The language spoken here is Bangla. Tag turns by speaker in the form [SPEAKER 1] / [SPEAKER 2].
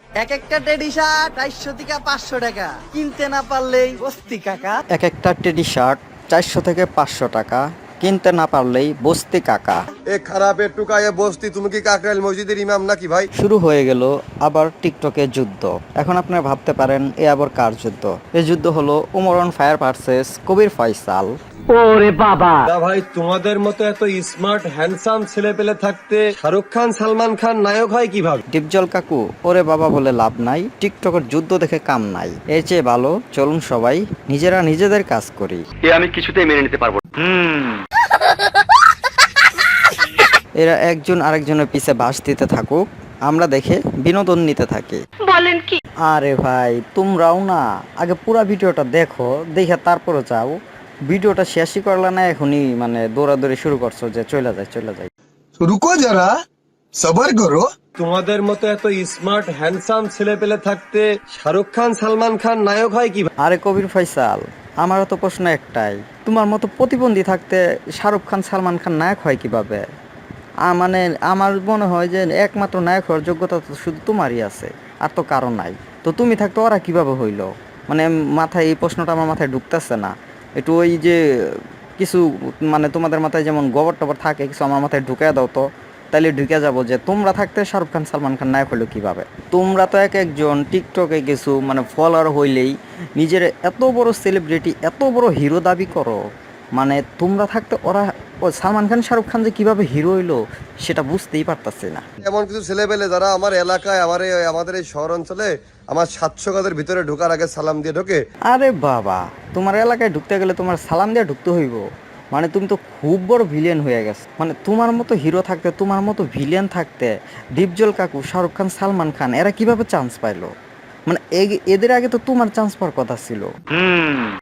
[SPEAKER 1] এক একটা টেডি শার্ট 450 থেকে 500 টাকা, কিনতে না পারলেই বস্তি কাকা।
[SPEAKER 2] এক একটা টেডি শার্ট 400 থেকে 500 টাকা, কিনতে না পারলেই বস্তি কাকা।
[SPEAKER 3] এ খারাপের টুকায়ে বস্তি, তুমি কি কাকরাইল মসজিদের ইমাম নাকি ভাই?
[SPEAKER 2] শুরু হয়ে গেল আবার টিকটকে যুদ্ধ। এখন আপনারা ভাবতে পারেন এ আবার কার যুদ্ধ? এই যুদ্ধ হলো Omar on fire versus Kabir Faisal.
[SPEAKER 3] না ভাই, তোমাদের মতো এত স্মার্ট হ্যান্ডসাম ছেলে পেলে থাকতে শাহরুখ খান সালমান খান নায়ক হয় কিভাবে?
[SPEAKER 2] ডিপজল কাকু, ওরে বাবা বলে লাভ নাই, টিকটকের যুদ্ধ দেখে কাম নাই। এর চেয়ে ভালো চলুন সবাই নিজেরা নিজেদের কাজ করি।
[SPEAKER 4] আমি কিছুতেই মেনে নিতে পারবো না।
[SPEAKER 2] এরা একজন আরেকজনের পিছে বাস দিতে থাকুক, আমরা দেখে বিনোদন নিতে থাকি।
[SPEAKER 5] বলেন কি?
[SPEAKER 2] আরে ভাই তোমরাও না আগে পুরা ভিডিওটা দেখো, দেখে তারপরে যাও। ভিডিওটা শেষই করলা না, এখনই মানে দৌড়াদৌড়ি শুরু করছো যে চলে যায়।
[SPEAKER 6] रुको जरा सबर करो।
[SPEAKER 3] তোমাদের মতো এত স্মার্ট হ্যান্ডসাম ছেলে পেলে থাকতে শাহরুখ খান সালমান খান নায়ক হয় কিভাবে?
[SPEAKER 2] আরে কবির ফয়সাল, আমারও তো প্রশ্ন একটাই, তোমার মতো প্রতিবন্ধী থাকতে শাহরুখ খান সালমান খান নায়ক হয় কিভাবে? মানে আমার মনে হয় যে একমাত্র নায়ক হওয়ার যোগ্যতা তো শুধু তোমারই আছে, আর তো কারণ নাই। তো তুমি থাকতে ওরা কিভাবে হইলো? মানে মাথায় এই প্রশ্নটা আমার মাথায় ঢুকতেছে না। একটু ওই যে কিছু মানে তোমাদের মাথায় যেমন গোবর টবর থাকে, কিছু আমার মাথায় ঢুকে দাও তো, তাইলে ঢুকে যাবো যে তোমরা থাকতে শাহরুখ খান সালমান খান নায়ক হইলো কিভাবে? তোমরা তো এক একজন টিকটকে কিছু মানে ফলোয়ার হইলেই নিজের এত বড় সেলিব্রিটি, এত বড় হিরো দাবি করো। মানে তোমরা থাকতে ওরা সালমান খান শাহরুখ খান যে কিভাবে হিরো হইলো সেটা বুঝতেই পারতাছি না।
[SPEAKER 3] এমন কিছু ছেলে পেলে যারা আমার এলাকায় আমাদের এই শহর অঞ্চলে আমার 700 গজের ভিতরে ঢোকার আগে সালাম দিয়ে ঢোকে।
[SPEAKER 2] আরে বাবা, তোমার এলাকায় ঢুকতে গেলে তোমার সালাম দিয়ে ঢুকতে হইব? মানে তুমি তো খুব বড় ভিলেন হয়ে গেছো। মানে তোমার মতো হিরো থাকতে, তোমার মতো ভিলেন থাকতে ডিপজল কাকু, শাহরুখ খান, সালমান খান এরা কিভাবে চান্স পাইলো? মানে এদের আগে তো তোমার চান্স পাওয়ার কথা ছিল।